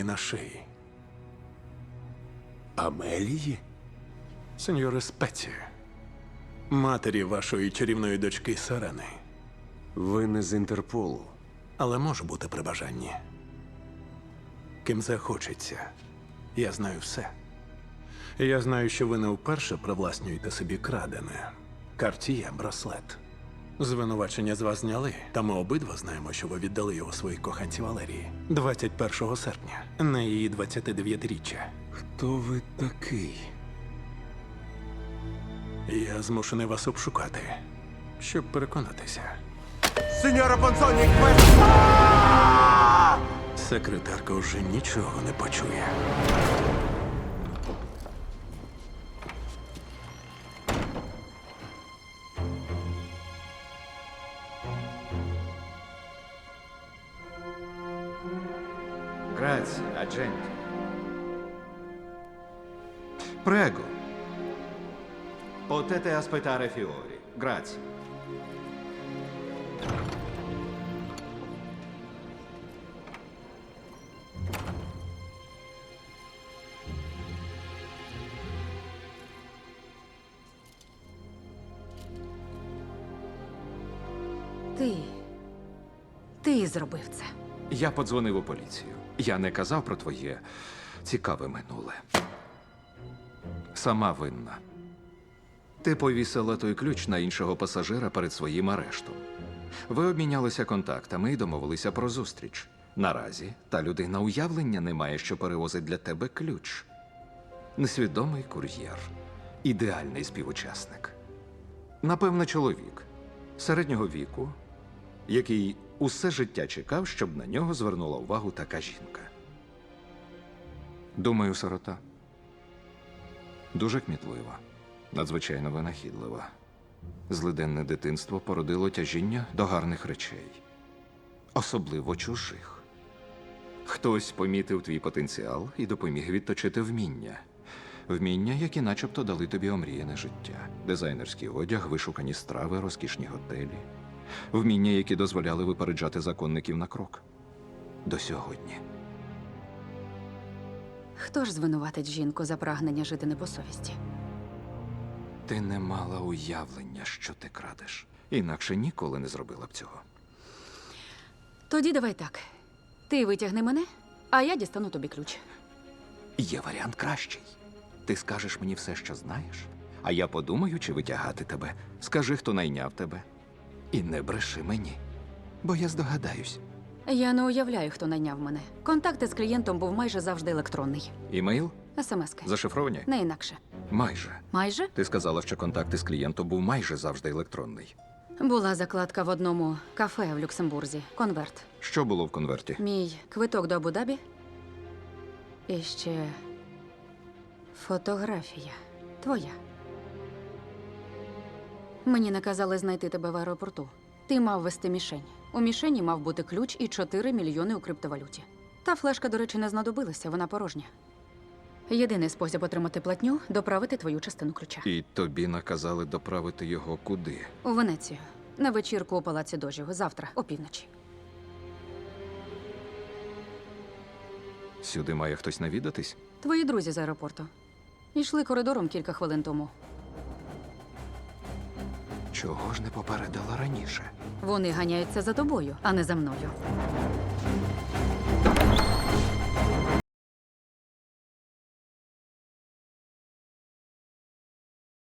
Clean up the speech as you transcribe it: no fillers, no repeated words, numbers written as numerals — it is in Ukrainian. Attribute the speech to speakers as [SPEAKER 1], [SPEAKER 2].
[SPEAKER 1] на шиї.
[SPEAKER 2] Амелії?
[SPEAKER 1] Сеньоре Спеці, матері вашої чарівної дочки Сирени.
[SPEAKER 2] Ви не з Інтерполу.
[SPEAKER 1] Але можу бути при бажанні. Ким захочеться. Я знаю все. Я знаю, що ви не вперше привласнюєте собі крадене. Картіє, браслет. Звинувачення з вас зняли, та ми обидва знаємо, що ви віддали його своїй коханці Валерії 21 серпня, на її 29-річчя.
[SPEAKER 2] Хто ви такий?
[SPEAKER 1] Я змушений вас обшукати, щоб переконатися.
[SPEAKER 2] Сеньора Понсоні!
[SPEAKER 1] Секретарка вже нічого не почує.
[SPEAKER 3] Grazie, agente. Prego. Potete aspettare fiori. Grazie.
[SPEAKER 4] Ти зробив це.
[SPEAKER 3] Я подзвонив у поліцію. Я не казав про твоє цікаве минуле. Сама винна. Ти повісила той ключ на іншого пасажира перед своїм арештом. Ви обмінялися контактами і домовилися про зустріч. Наразі та людина уявлення не має, що перевозить для тебе ключ. Несвідомий кур'єр. Ідеальний співучасник. Напевно, чоловік середнього віку, який усе життя чекав, щоб на нього звернула увагу така жінка. Думаю, сирота. Дуже кмітлива, надзвичайно винахідлива. Злиденне дитинство породило тяжіння до гарних речей. Особливо чужих. Хтось помітив твій потенціал і допоміг відточити вміння. Вміння, які начебто дали тобі омріяне життя. Дизайнерський одяг, вишукані страви, розкішні готелі. Вміння, які дозволяли випереджати законників на крок. До сьогодні.
[SPEAKER 4] Хто ж звинуватить жінку за прагнення жити не по совісті?
[SPEAKER 3] Ти не мала уявлення, що ти крадеш. Інакше ніколи не зробила б цього.
[SPEAKER 4] Тоді давай так. Ти витягни мене, а я дістану тобі ключ.
[SPEAKER 3] Є варіант кращий. Ти скажеш мені все, що знаєш, а я подумаю, чи витягати тебе. Скажи, хто найняв тебе. І не бреши мені, бо я здогадаюсь.
[SPEAKER 4] Я не уявляю, хто найняв мене. Контакт із клієнтом був майже завжди електронний.
[SPEAKER 3] Імейл?
[SPEAKER 4] СМСки.
[SPEAKER 3] Зашифровані?
[SPEAKER 4] Не інакше.
[SPEAKER 3] Майже.
[SPEAKER 4] Майже?
[SPEAKER 3] Ти сказала, що контакт із клієнтом був майже завжди електронний.
[SPEAKER 4] Була закладка в одному кафе в Люксембурзі. Конверт.
[SPEAKER 3] Що було в конверті?
[SPEAKER 4] Мій квиток до Абу-Дабі. І ще фотографія. Твоя. Мені наказали знайти тебе в аеропорту. Ти мав вести мішень. У мішені мав бути ключ і 4 мільйони у криптовалюті. Та флешка, до речі, не знадобилася, вона порожня. Єдиний спосіб отримати платню – доправити твою частину ключа.
[SPEAKER 3] І тобі наказали доправити його куди?
[SPEAKER 4] У Венецію. На вечірку у Палаці Дожів. Завтра, опівночі.
[SPEAKER 3] Сюди має хтось навідатись?
[SPEAKER 4] Твої друзі з аеропорту. Йшли коридором кілька хвилин тому.
[SPEAKER 3] Чого ж не попередила раніше?
[SPEAKER 4] Вони ганяються за тобою, а не за мною.